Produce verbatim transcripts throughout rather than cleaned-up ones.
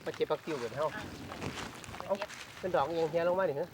มาเก็บผักติ้วกันเฮาเอ้าเป็นดอกยังเฮียลงมาดิฮะ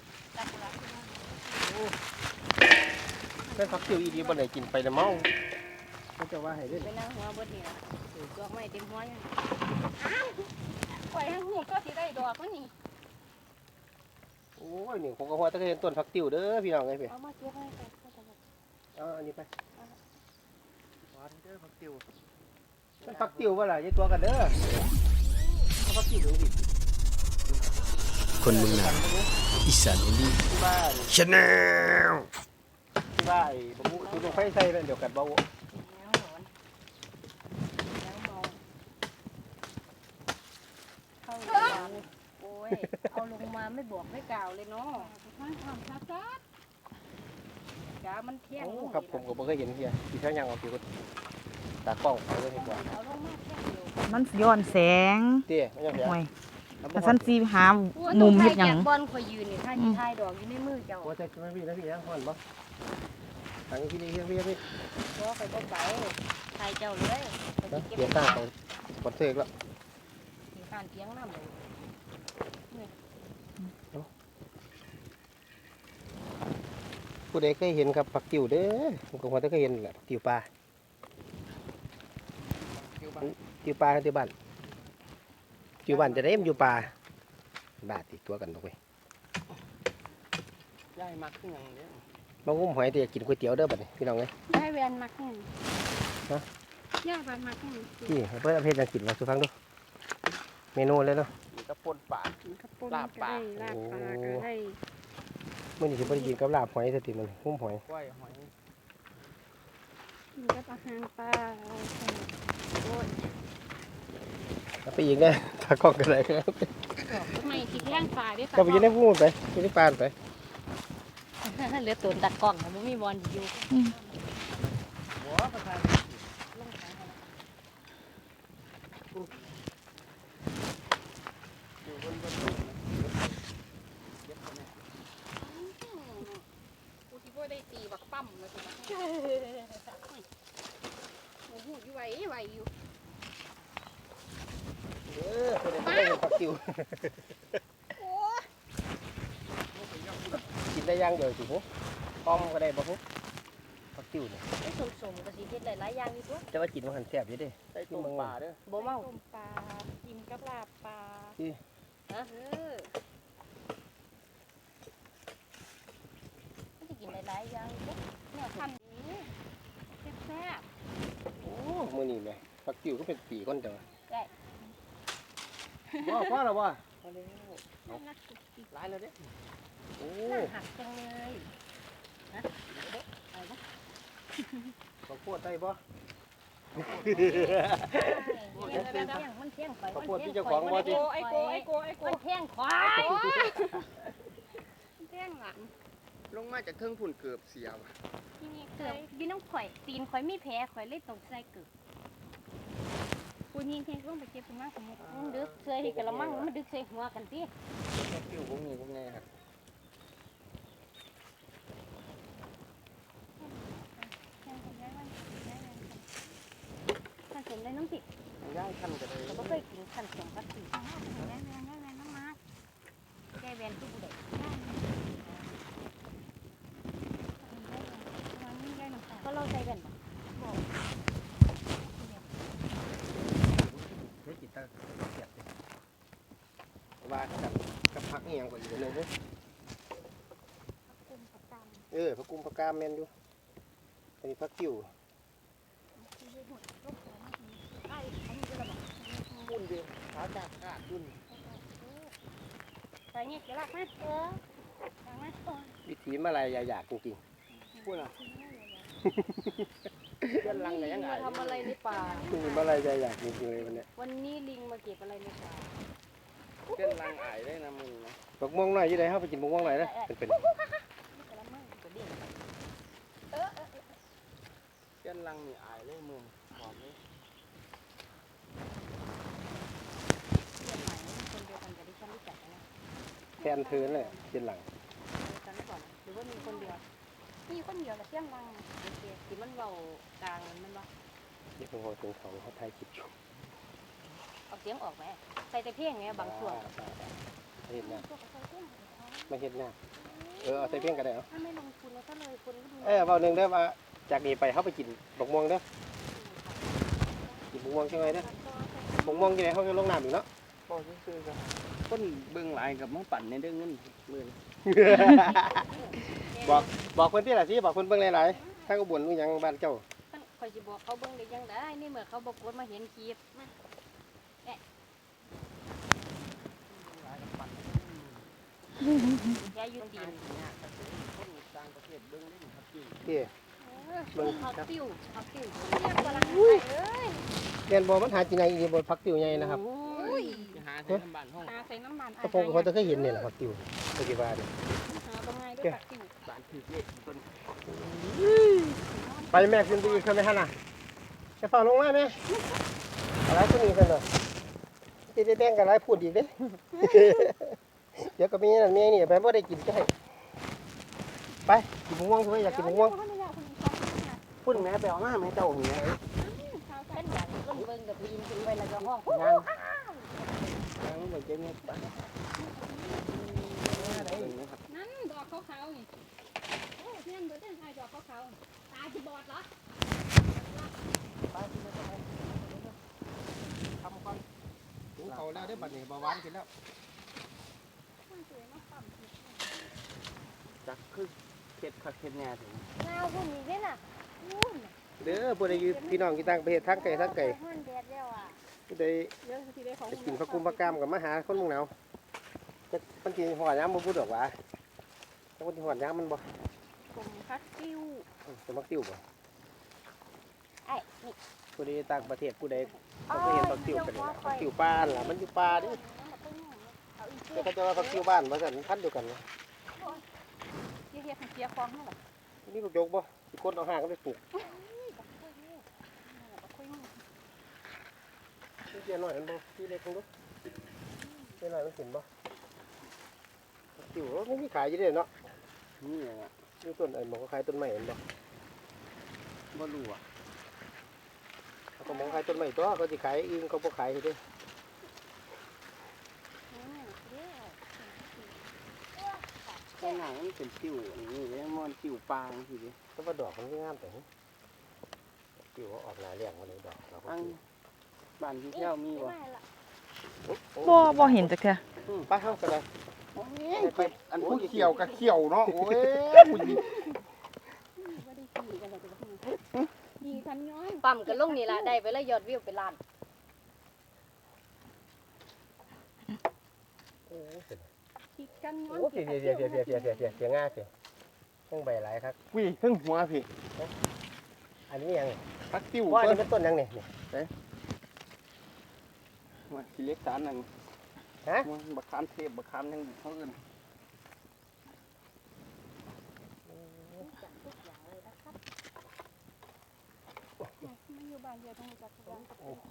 เป็นผักติ้วอีดีบ่ได้กินไปแล้วเมาเขาจะว่าให้ด้วยไปนั่งหัวบดนี่นะดอกไม้เต็มหัวอยู่อ้าวปล่อยให้หูก็สิได้ดอกมันนี่โอ้ยนี่ผมก็ว่าจะเห็นต้นผักติ้วเด้อพี่น้องไงพี่เอามาเก็บให้ไปเอาอันนี้ไปหวานเด้อผักติ้วมันผักติ้วว่าล่ะยายตัวกันเด้อเอาผักติ้วดูดิคนเมืองนาอีสานอินดี้ที่บ้านชาแนลที่บ้านไอ้บ่รู้ดูลงไฟใส่นั่นเดี๋ยวกันเบาแล้วหอนแล้วเมาเข้าโรงพยาบาลโอ้ยเอาลงมาไม่บอกไม่กล่าวเลยเนาะท่านทำชัดชัดจ้ามันเที่ยงโอ้ครับผมก็บ่เคยเห็นเฮียที่เขายังเอาผิวตากล้องเอาเลยดีกว่าเอาลงมาแค่เดียวมันย้อนแสงเตี้ยไม่ยังเสียห่วยแต่สันสีหามุมเฮ็ดหยังบอลคอยยืนนี่ถ้าที่ทายดอกอยู่ในมือเจ้าโอ้ใจไม่พี่นะพี่ยังห่อนบ่ทางพี่นี่พี่พี่พี่เพราะคอยบ่ไปทายเจ้าเลยคอยสิเก็บเดี๋ยวตั้งเขาปดเสกแล้วที่ข้านเตียงน้ำเลยผู้ใดเคยเห็นครับผักติ๋วเด้อผมก็ว่าจะเคยเห็นแหละผักติ๋วปลาติ๋วปลาติ๋วบ้านติ๋วบ้านจะได้มันอยู่ปลาบาดติดตัวกันตรงไปย่ายมักขึ้นอย่างเนี้ยบางงุ้มหอยแต่อยากกินก๋วยเตี๋ยวเด้อบัดนี้พี่น้องเอ้ยได้แวนมักแห้งฮะย่าแวนมักแห้งพี่เพื่อนเอาเพชรยังกินมาสุฟังดูเมนูเลยเนาะมันก็ปนปากกระปุกก็ได้ลาบปลาก็ได้เมื่อนี้สิบ่ได้กินกับลาบหอยสติมันงุ้มหอยกล้วยหอยกินกับอาหารปลาโอ้ยแล้วไปอีกเนี่ยถ้ากล้องกันเลยครับทำไมที่แท่งปลาได้ก็ไปอยืนในพูดไปอยืนในปานไปเหลือตัวตัดกล้องมันมีบอลอยู่หัวประธานกูที่พ่อได้ตีบักปั๊มเลยโอ้โหอยู่ไหวไหวอยู่เออคนเดียวไม่ได้เห็นผักติ๋วโอ้กินได้ย่างเดียวสิฮุต้มก็ได้บ่ฮุผักติ๋วเนี่ยไอ้สมสมกับสีเพชรหลายๆอย่างอยู่ตัวแต่ว่ากินมันหันแซ่บอยู่เดิใส่ต้มปลาเด้อบ่เมาต้มปลากินกับลาบปลาฮะเออมันจะกินหลายๆอย่างอยู่เนี่ยทำนี้แซ่บโอ้มื้อนี้แหม่ผักติ๋วก็เป็นปีก่อนเด้อได้ว่าว่าแล้วว่าพอแล้วน่ารักสุดอีกร้ายแล้วเด้อโอ้น่าหักจังเลยนะอะไรนะข้าวโพดได้บ่เดี๋ยวเดี๋ยวเดี๋ยวมันเที่ยงไปข้าวโพดที่เจ้าของบ่ติไอโกไอโกไอโกมันเที่ยงควายแจ้งหลังลงมาจากเครื่องพุ่นเกือบเสียว่ะที่นี่เคเกือบยพี่น้องข่อยตีนข่อยไม่แพ้ข่อยเลยตกใส่เกือบกูยิงเพลงร่วงไปเก็บถึงมากสมมติมันดึกใส่กระมังมันดึกใส่หัวกันสิคิวพวกนี้พวกนี้ครับแจ้งคนย้ายวันย้ายวันขันสมได้น้องติย่ายขั้นกันเลยเราไม่เคยกินขันสมพัดสีย้ายวันย้ายวันย้ายวันน้ำมาแก้แวนทุกบุเด็กวันนี้ย้ายหนึ่งค่ะก็เราใส่แว่นบ่เฮ็ดกินตาแซ่บเลยว่ากับกับผักอีหยังกว่าอีกอันหนึงเด้อกุมประจเออผักกุมผักกามแม่นอยู่อันนี้ผักติ๋วำที่ยืดหดลูกของไอ้อันนี้ก็ระบาดพุ่นเดียวขาจากขาดพุ่นใส่เนี่ยจะรักไหมเออรักไหมวิถีมาลายอยากจริงพุ่นอ่ะเพื่อนลังไหนยังไงมาทำอะไรในป่าๆมีมาลายอยากจริงๆเลยวันเนี้ยวันนี้ลิงมาเก็บอะไรในป่าเพื่อนลังอายได้นะมึงนะบักม่วงหน่อยอยู่ไหนเฮาไปกินบักม่วงหน่อยนะเป็นเป็นกระมังกระดิ่งเพื่อนลังนี่อายเลยมึงบอกเลยเพื่อนใหม่คนเดียวกันกับที่ฉันรู้จักนะแทนเทินเลยเป็นหลังเดียวกันก่อนหรือว่ามีคนเดียวมีคนเดียวละเที่ยงรังโอเคที่มันเบากลางมันบ่นี่เพิ่งเอาถึงเขาเขาถ่ายคลิปอยู่เอาเสียงออกไหมใส่แต่เพียงไงบางช่วงเห็นนะพวกกระใส่เครื่องของเขาไม่เห็นนะเออเอาใส่เพียงกันได้เหรอถ้าไม่ลงทุนแล้วก็เลยคนก็ดูเออเบาหนึ่งเด้อว่าจากนี้ไปเขาไปกินบกม่วงเด้อกินบกม่วงใช่ไหมเด้อบกม่วงที่ไหนเขาจะลงน้ำอีกเนาะบ่ซื่อๆครับคนเบิ่งหลายกับมาปั่นในเด้อเงินมื้อนี้บอกบอกเพิ่นที่ละสิบอกเพิ่นเบิ่งหลายๆถ้าก็บ่นอยู่หยังบ้านเจ้าคอยจะบอกเขาเบิ่งได้ยังได้นี่เมื่อเขาบอกกดมาเห็นคลิปยายอยู่ตีนคนต่างประเทศเบิ่งเล่นครับจริงที่เบิ่งเขาครับติ้วเขาติ้วเรียกกำลังเอ้ยเรียนบ่มันหากินไงอีบ่ผักติ๋วใหญ่นะครับโอ้ยไปหาใส่น้ำบ้านห้องหาใส่น้ำมันกระโปรงเขาจะเคยเห็นนี่แหละผักติ๋วปัจจุบันหาตรงไงด้วยผักติ้วบ้านถือเลขเพิ่นไปแม่ขึ้นไปอีกขึ้นไปหั่นน่ะจะฟังลงมาแม่อะไรตัวนี้ซั่นเนาะสิได้แบ่งกันหลายพูดอีกเด้ เดี๋ยวก็มีนั่นมีนี่ไปบ่ได้กินจะให้ไปกินมะม่วงใช่ไหมอยากกินมะม่วงพุ่นแม่ไปเอามาแม่เจ้านี่เป็นอย่างต้นเบิ่งกับปีนขึ้นไปแล้วก็ห้องยังยังบ่เจ็บเม็ดปะนั่นดอกขาวๆนี่โอ้เพื่อนเบอร์เต้นไทยดอกขาวๆตาจีบอดเหรอทำก่อนถึงเขาแล้วได้บัดนี้เบาหวานขึ้นแล้วสวยมากปั๊มจักคือเข็ดคักเข็ดแน่ถึงเงาพวกนี้ด้วยน่ะเด้อบ่ได้อยู่พี่น้องที่ต่างประเทศทั้งไก่ทั้งไก่ห้อนแดดแล้วอ่ะผู้ใดเยอะทีได้ของจะกินผักกุมผักกามกับมาหาคนเมืองหนาวจะมันกินหัวย้ำบ่พูดดอกหว่าแต่มันสิหัวย้ำมันบ่ผมพักติ้วอืมจะมักติ้วบ่ไอ้นี่ผู้ใดต่างประเทศผู้ใดเขาเคยเห็นผักติ้วกันนี่ล่ะผักติ้วป่านล่ะมันอยู่ป่าเด้แต่เขาจะว่าผักติ้วบ้านว่าซั่นพันธุ์เดียวกันนะเฮียๆเฮียฟองนั่นแหละนี่บ่ยกบ่สิคนเอาหางก็ไปปลูกนี่เจียหน่อยมันบ่ที่เล็กคงดูเจียหน่อยมันกินบ่ผักติ้วมันมีขายอยู่เด้เนาะนี่อ่ะมีต้นไอ้หมองก็ขายต้นไม้เห็นบ่บ่รู้อ่ะเขาก็มองขายต้นไม้ตัวเขาสิขายอื่นเขาบ่ขายเด้ข้างหน้ามันเป็นติ้วนี่ยังมันติ้วปางสิเด้แต่ว่าดอกมันงามแต่ติ้วออกหน้าเลี้ยงมาเลยดอกดอกอังบ้านที่เที่ยวมีบ่บ่บ่เห็นจักเทื่อไปเฮาก็ได้ไปอันผู้เขียวกับเขียวเนาะโอ้ยดีทันย้อยปั๊มกันลงนี่ล่ะได้ไปแล้วยอดวิวเป็นล้านคิดกันย้อยโอ้เสียเสียเสียเสียเสียเสียเสียเสียเสียง่ายเสียต้องใบหลายครับวิ่งถึงหัวพี่อันนี้ยังพักติ้วว่าอันเพิ่นี้นเป็นต้นยังนี่ว่าสิเล็กสารนั่นฮะมันบักขามเทพบักขามยังเขาเอิ้นไม่อยู่บ้านเดียวต้องจัดทุกอย่างโอ้โห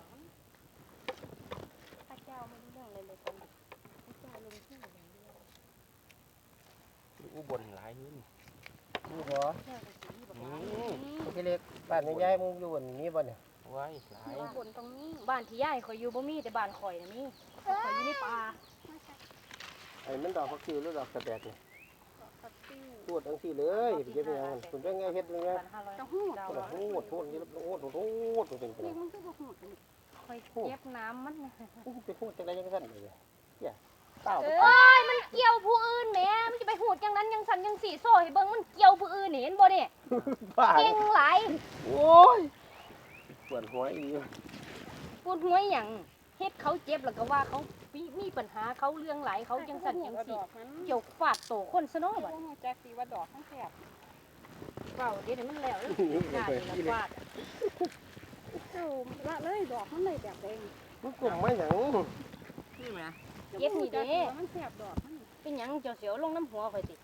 พระเจ้าไม่รู้เรื่องเลยเลยตอนพระเจ้าลงที่อย่างเดียวอุบลหลายอยู่นี่นี่บ่นี่โอเคเล็กบ้านยายมึงอยู่บนนี้บ่เนี่ยไว้หลายบนตรงนี้บ้านที่ย่ายข่อยอยู่บ่มีแต่บ้านข่อยน่ะมีข่อยอยู่ในป่าไอ้มันดอกผักชีหรือดอกสะแบกนี่พักติ้วพูดทั้งที่เลยเดี๋ยวเป็นยังคุณเป็นไงเฮ็ดยังไงบ้านห้าร้อยจะหูดดาวโอ้โหโทษนี่โอ้โหโทษตัวเป็นไปเรียกมันคือบ่หูดข่อยเก็บน้ำมันไปพูดจังไดยังซั่นเลยเนี่ยเต้าเอ้ยมันเกี่ยวผู้อื่นแหมมันจะไปหูดจังนั้นยังสันยังสีโซ่ให้เบิ่งมันเกี่ยวผู้อื่นนี่เห็นบ่เนี่ยบ้าเก่งหลายโอ้ยปวดหัวอีกปวดหัวหยังเฮ็ดเขาเจ็บแล้วก็ว่าเขามีมีปัญหาเขาเรื่องหลายเขาจังสันยังดสีอกนั้นเกี่ยวฟาดโตคนซะเนาะไม่บัดรู้แจ็คสีว่าดอกทั้งแถบเว้าเดี๋ยวนี้มันแล้วเด้อหน้านี่ละฟาดเจ้าละเลยดอกมันเลยแบบเองมันกลุ่มมาหยังนี่แม่เก็บนี่เด้มันแถบดอกมันเป็นหยังเจ้าเสียวลงน้ำหัวข่อยติ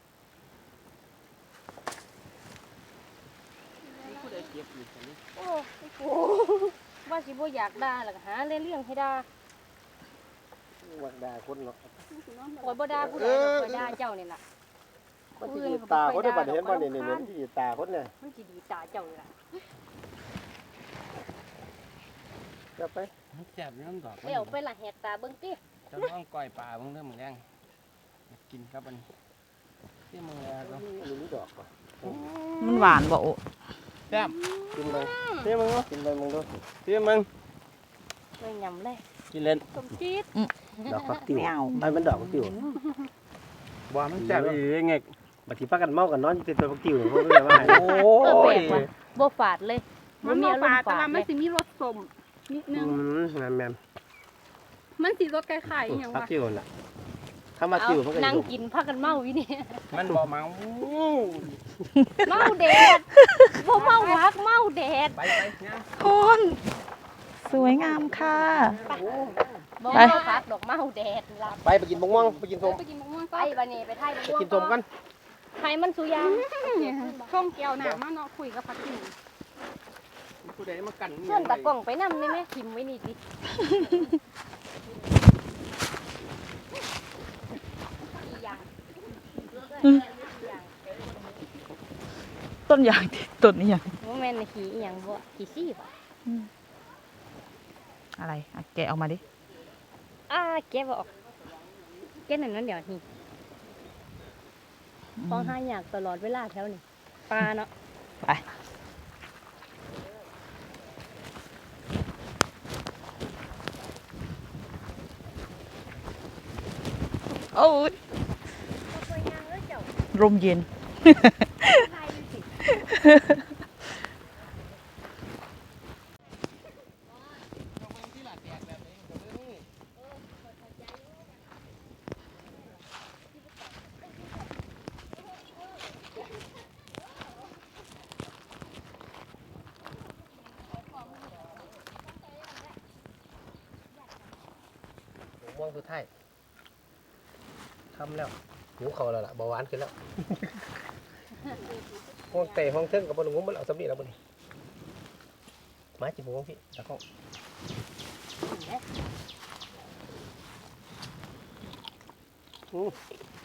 ผู้ใดเก็บอยู่ซั่นนี่โอ้โหว่าสิบ่อยากด่าแล้วก็หาเรื่องให้ด่าวักด่าคนเนาะข่อยบ่ด่าผู้ใดดอกข่อยด่าเจ้านี่ล่ะมันสิตาคนได้บัดเห็นบ่นี่นี่มันสิตาคนเนี่ยมันสิดีตาเจ้านี่ล่ะจะไปแซ่บน้ำดอกเดี๋ยวไปละแหกตาเบิ่งติจะต้องก้อยปลาเบิ่งเด้อมื้อแรงกินครับอันนี้ที่มึงแล้วก็อันนี้ดอกป่ะมันหวานบ่โอ้แซ่บกินไปเที่ยมึงเนาะกินไปมึงดูเที่ยมึงเลยยำเลยกินเล่นสมจีดดอกฟักติ๋วไม่เอาไอ้มันดอกฟักติ๋วบ่มันแซ่บอีหลีไงบัดทีพากันเมากันนอนอยู่ติดตัวฟักติ๋วเพราะเรื่องว่าโอ้เออแปลยกว่ะบ่ฝาดเลยมันมีบ่อารฝาม ดณ์แต่ฝาว่าดมัเลนยสิมีรสส้มนิดนึอืงมแม่นแม่นมันสิรสคล้ายๆอหยังฟักวะติ๋วน่ะถ้ามาเอาติ๋วมันก็นั่งอยู่กินพากันเมาอยู่นี่มันบ่เมาเมาแดดบ่เมาฮักเมาแดดไปไปเนี่ยคนสวยงามค่ะบ่ไปเมาพักดอกเมาแดดล่ะไปไปกินบงม่วงไปกินส้มไปกินมะม่วงไปก็บัดนี้ไปไทยไปกินส้มกันไทยมันสุยางช่องแก้วหนามาเนาะคุยกับพักกินผู้ใดมากันส่วนตากล้องไปนำได้ไหมทิมไว้นี่ดิอีหยังต้นยางที่ต้นนี้ยังบ่แม่นน่ะขี้อีหยังบ่ขี้ซี่บ่อะไรอ่ะแกะออกมาดิอ่าเก็บบ่ออกเก็บนั่นนั่นเดี๋ยวนี่ของหายากตลอดเวลาแถวนี้ปลาเนาะไปโอ้ยลมเย็นม่วงสุดท้ายทำแล้วหิวเขาแล้วล่ะเบาหวานขึ้นแล้วห้องเตะห้องเทิงกับบอลงงมันเอาสำลีแล้วบนมาจิบม่วงพี่ตะก้องอือ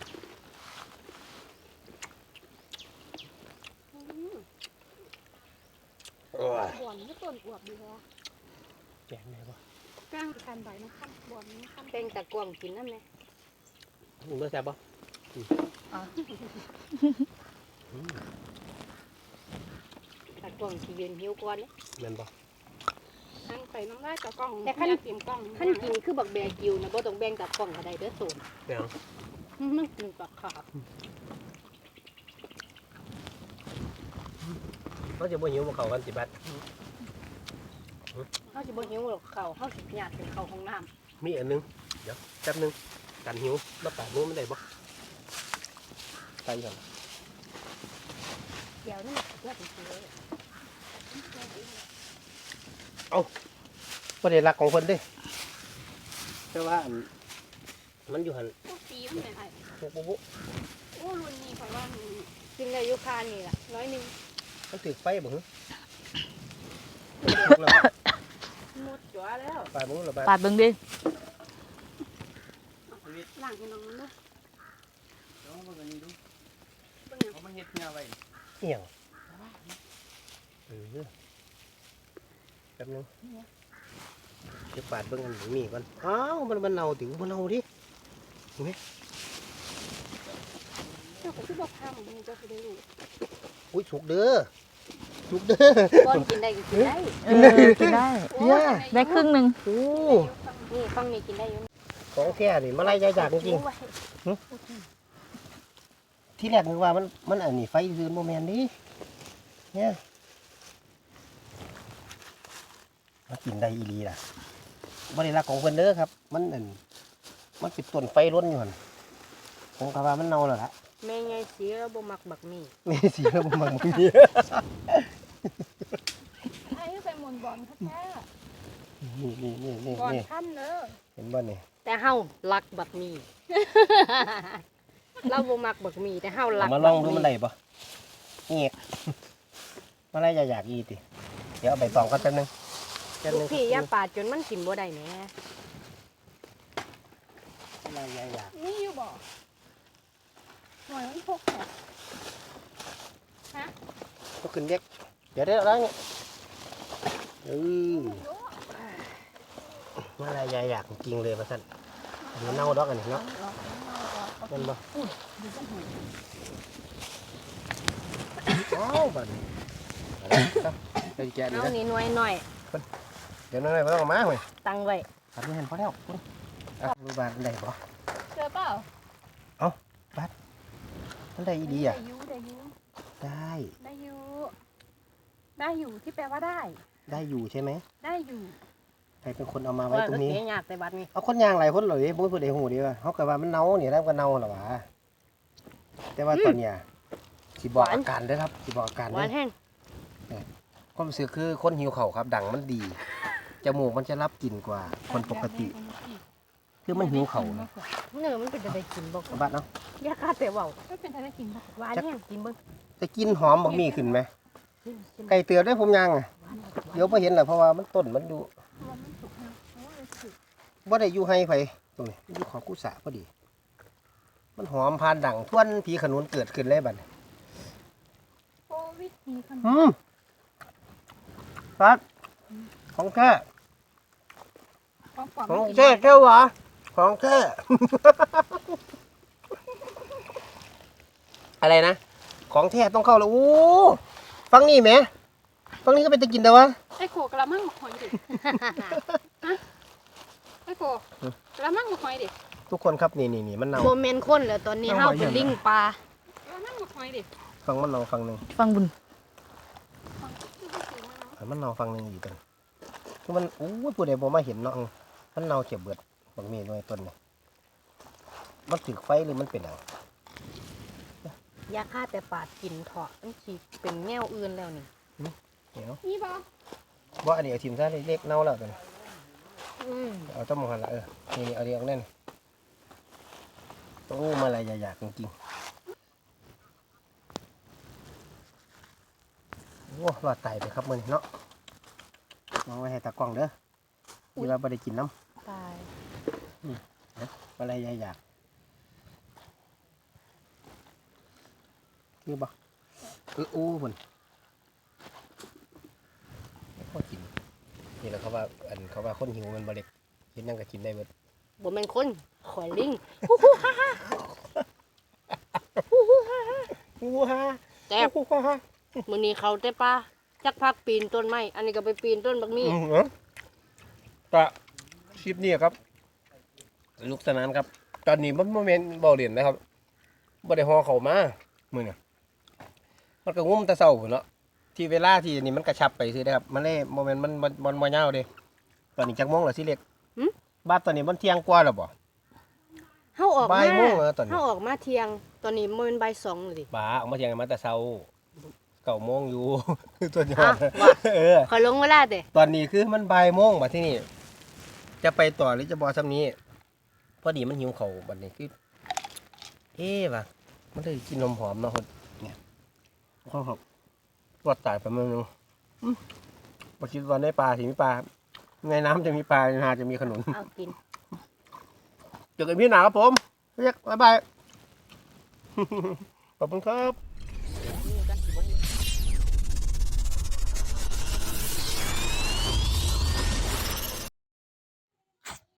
บวนนี่ต้นอวบดีแท้แกงไหนบ่กลางคันใบมันคันบวนมันคันเป็นตะกวางกินนำแม่มึงเลือกแซ่บบ่ตะกวางสิยืนหิวก่อนเด้แม่นบ่ทั้งไปน้ำลายกับกล้องแต่คันอยากเตรียมกล้องคันกินคือบักแบกิวนะบ่ต้องแบ่งตะกวางก็ได้เด้อโซนแม่งมันกินปลาขาบเขาจะบ่หิวบ่เข้ากันสิบัดเฮาสิบ่หิวหรอกข้าวเฮาสิญาติเป็นข้าวของน้ำมีอันนึงเดี๋ยวแป๊บนึงกันหิวมาปาดมือมันได้บ่ใส่ก่อนเดี๋ยวนี่เลือดสิเลยบ่ได้รักของเพิ่นเด้แต่ว่าอันมันอยู่หั่นพวกปีมันเนี่ยไอ้ปุ๊บปุ๊บปุ๊บโอ้รุ่นนี้ข่อยว่ามันกินได้อยู่คานี่ล่ะน้อยหนึงมันถึกไฟบ่หึหมดจั่วแล้วปาดมือละบาดปาดเบิ่งดิล้างให้น้องมันเด้อเอามากันนี่ดูเบิ่งหยังเอามาเฮ็ดเงาไว้เอียงเออแป๊บนึงเดี๋ยวปาดเบิ่งอันนี้มีก่อนอ้าวมันมันเน่าติมันเน่าดิเจ้าก็สิบ่ทำมันเจ้าสิได้รู้อุ้ยสุกเด้อสุกเด้อก่อนกินได้ก็กินได้เออกินได้เนี่ยได้ครึ่งหนึ่งโอ้นี่ฟังนี่กินได้อยู่ของแท้นี่มาไล่ยายจากจริงโอ้ยๆที่แรกนึกว่ามันมันอันนี้ไฟซื้อโมแมนดิเนี่ยมากินได้อีหลีล่ะบริรักของเพิ่นเด้อครับ มันอันมันเป็นต้นไฟล้นอยู่หั่นผมก็ว่ามันเน่าแล้วล่ะแม่ใหญ่สีแล้วบ่มักบักมี่นี่สิแล้วบ่มักมันนี่ไอ้ไปหมุนบอลแท้นี่นี่นี่นี่ๆบอลนี่คันเด้อเห็นบ่นี่แต่เฮารักบักมี่ เราบ่มักบักมี่แต่เฮารัเอากมาลองดูมันได้บ่เงียบมาไล่ยายจากอีติเดี๋ยวเอาไปตองกันแป๊บนึงแป๊บลูนึกงพี่อย่าปาดจนมันกินบ่ได้แหมไล่ยายจากนี่อยู่บ่หน่อยมันพกแท้ก็ขึ้นเด็กเดี๋ยวได้แล้วนี่เอออะไรยายอยากจริงเลยมาสั่นอันนี้เน่าดอกอันนี้เนาะเป็นบ่อ้าวบัดนี้ไปแกะดีเอานะนี่หน่วยหน่อยเดี๋ยวนั่นเลยไม่ต้องมาเว้ยตั้งไว้ตัดไม่เห็นพอแล้วคุณอ่ะรูบานได้บ่เจอเปล่ามันได้อีดีอ่ะได้อยู่ได้อยู่ได้ได้อยู่ได้อยู่ที่แปลว่าได้ได้อยู่ใช่ไหมได้อยู่ใครเป็นคนเอามาไว้ว่าตรงก็นี้เสียยากแต่บัดนี้เอาคนยางหลายคนเลยบ่พูดได้หูดีว่าเขาก็ว่ามันเน่าเนี่ยแล้วก็เน่าหรอวะแต่ว่าตอนเนี้ยสิบอกอาการเด้อครับสิบอกอาการหเด้วาอนแห้งความรู้สึกคือคนหิวเข่าวครับดังมันดีจมูกมันจะรับกลิ่นกว่าคนปกติ คือมันหิวเข่าวนะเนื้อมันเป็นอะไรกินบ่บัดเนาะยากาแต่เว้าไม่เป็นอะไรกินปะหวานแห้งกินเบิ่งจะกินหอมบักมีขึ้นไหมไก่เตือได้ผมยังอะเดี๋ยวพอเห็นแหละเพราะว่ามันต้นมันอยู่มันไม่สุกนะเพราะว่ามันสุกบ่ได้อยู่ให้ไผตรงนี้มันอยู่ของกุศะพอดี มันหอมพานดังทวนผีขนุนเกิดขึ้นเลยบัดนี้โอ้วิธีขนมอืมฟัดของแท้ของปลอมของไม่กินแท้ได้แก้วหวะของแท้ อะไรนะ ของแท้ต้องเข้าแล้วโอ้ฟังนี่แหมฟังนี่ก็เป็นตะกินแต่วะไอ้โขกระมังมาคอยดิฮะไอ้โขกระมังมาคอยดิทุกคนครับนี่นี่นี่มันเน่าโมเมนต์คนแล้วตอนนี้เอาเฮาไว้เป็นอย่างลิงปลากระมังมาคอยดิฟังมันเน่าฟังหนึ่งฟังบุญให้มันเน่าฟังหนึ่งอีกกันคือมันโอ้ยผู้ใดบ่มาเห็นเนาะมันเน่าเขียบเบิดบางมีหน่วยต้นนี่มันถึกไฟหรือมันเป็นอะไรยาฆ่าแต่ปาดกินเถาะมันสิเป็นแนวอื่นแล้วนี่เดี๋ยวนี่ปะบ่อันนี้เอาทิมซะเล็กๆเน่าแล้วกันอืมเอาต้มหันละเออนี่นี่เอาเรียงแน่นโอ้มาอะไรอยากๆจริงๆโอ้รอดไตไปครับมื้อนี้เนาะมองไว้ให้ตากล้องเด้อที่ว่าบ่ได้กินน้ตายำอะไรอยากๆคือบ่เออโอ้พุ่นพอกินนี่แหละเขาว่าอันเขาว่าคนหิวมันบ่เล็กกินนั่งก็กินได้เบิดบ่แม่นคนข่อยลิงอู้ฮ่าแซ่บอู้ฮ่ามื้อนี้เขาแต่ปลาจักพักปีนต้นไม้อันนี้ก็ไปปีนต้นบักมี่อืมเอ้อก็คลิปนี้ครับสนุกสนานครับ ตอนนี้มันโมเมนต์เบาเรียนนะครับบ่ได้ฮอเข้ามามื้อนี้มันก็งุ้มแตะเช้าพุ่นเนาะที่เวลาที่นี่มันกระชับไปซื่อเด้อครับมันเลยโมเมนต์มันมันมันบ่ยาวเด้ตอนนี้จักโมงแล้วสิเล็กบ้านตอนนี้มันเที่ยงกว่าแล้วบ่เฮาออกบ่ามายโมงแล้วตอนนี้เฮาออกมาเที่ยง ตอนนี้มันเป็นบ่ายสองเลยดิบ้าออกมาเที่ยงกันมาแต่เช้าเก้าโมงอยู่ ตัวยออ้าดวว่าเออขอยลงเวลาเด้ตอนนี้คือมันบ่ายโมงบัดที่นี่จะไปต่อหรือจะบ่ซ้ำนี้พอดีมันหิวข้าวบัดนี้คือเอ๊ะว่ะมันเลยกินนมหอมเนาะคนเนี่ยข้าวครับรอดตายไปเมืองนึงอืมบ่คิดว่าในป่าสิมีปลาในน้ำจะมีปลาในนาจะมีขนุนเอากินเจอกันพี่หนาครับผมเรียกบ๊ายบาย ขอบคุณครับ